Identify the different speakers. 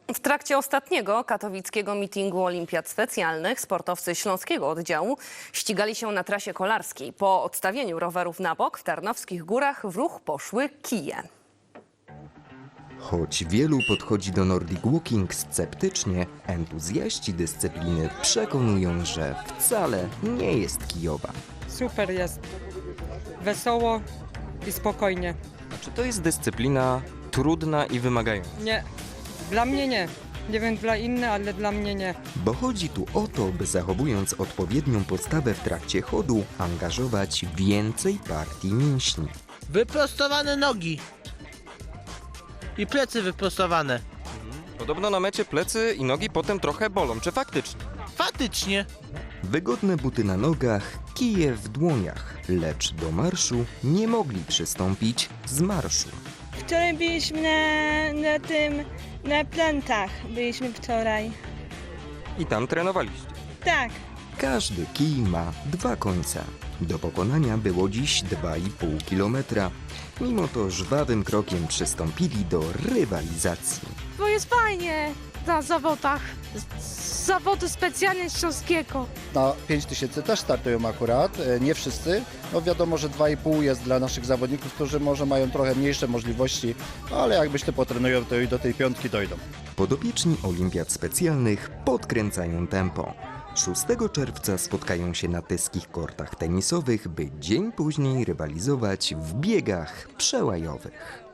Speaker 1: W trakcie ostatniego katowickiego mitingu olimpiad specjalnych sportowcy śląskiego oddziału ścigali się na trasie kolarskiej. Po odstawieniu rowerów na bok w Tarnowskich Górach w ruch poszły kije.
Speaker 2: Choć wielu podchodzi do Nordic Walking sceptycznie, entuzjaści dyscypliny przekonują, że wcale nie jest kijowa.
Speaker 3: Super jest. Wesoło i spokojnie.
Speaker 4: Czy to jest dyscyplina trudna i wymagająca?
Speaker 3: Nie, dla mnie nie. Nie wiem dla innych, ale dla mnie nie.
Speaker 2: Bo chodzi tu o to, by zachowując odpowiednią postawę w trakcie chodu, angażować więcej partii mięśni.
Speaker 5: Wyprostowane nogi i plecy wyprostowane.
Speaker 4: Podobno na mecie plecy i nogi potem trochę bolą. Czy faktycznie?
Speaker 5: Faktycznie.
Speaker 2: Wygodne buty na nogach, kije w dłoniach, lecz do marszu nie mogli przystąpić z marszu.
Speaker 6: Wczoraj byliśmy na plantach. Byliśmy wczoraj.
Speaker 4: I tam trenowaliście.
Speaker 6: Tak.
Speaker 2: Każdy kij ma dwa końce. Do pokonania było dziś 2,5 kilometra. Mimo to żwawym krokiem przystąpili do rywalizacji.
Speaker 7: Bo jest fajnie na zawodach. Zawody specjalnie śląskiego.
Speaker 8: Na 5000 też startują akurat, nie wszyscy. No wiadomo, że 2,5 jest dla naszych zawodników, którzy może mają trochę mniejsze możliwości, ale jak myślę potrenują, to i do tej piątki dojdą.
Speaker 2: Podopieczni olimpiad specjalnych podkręcają tempo. 6 czerwca spotkają się na tyskich kortach tenisowych, by dzień później rywalizować w biegach przełajowych.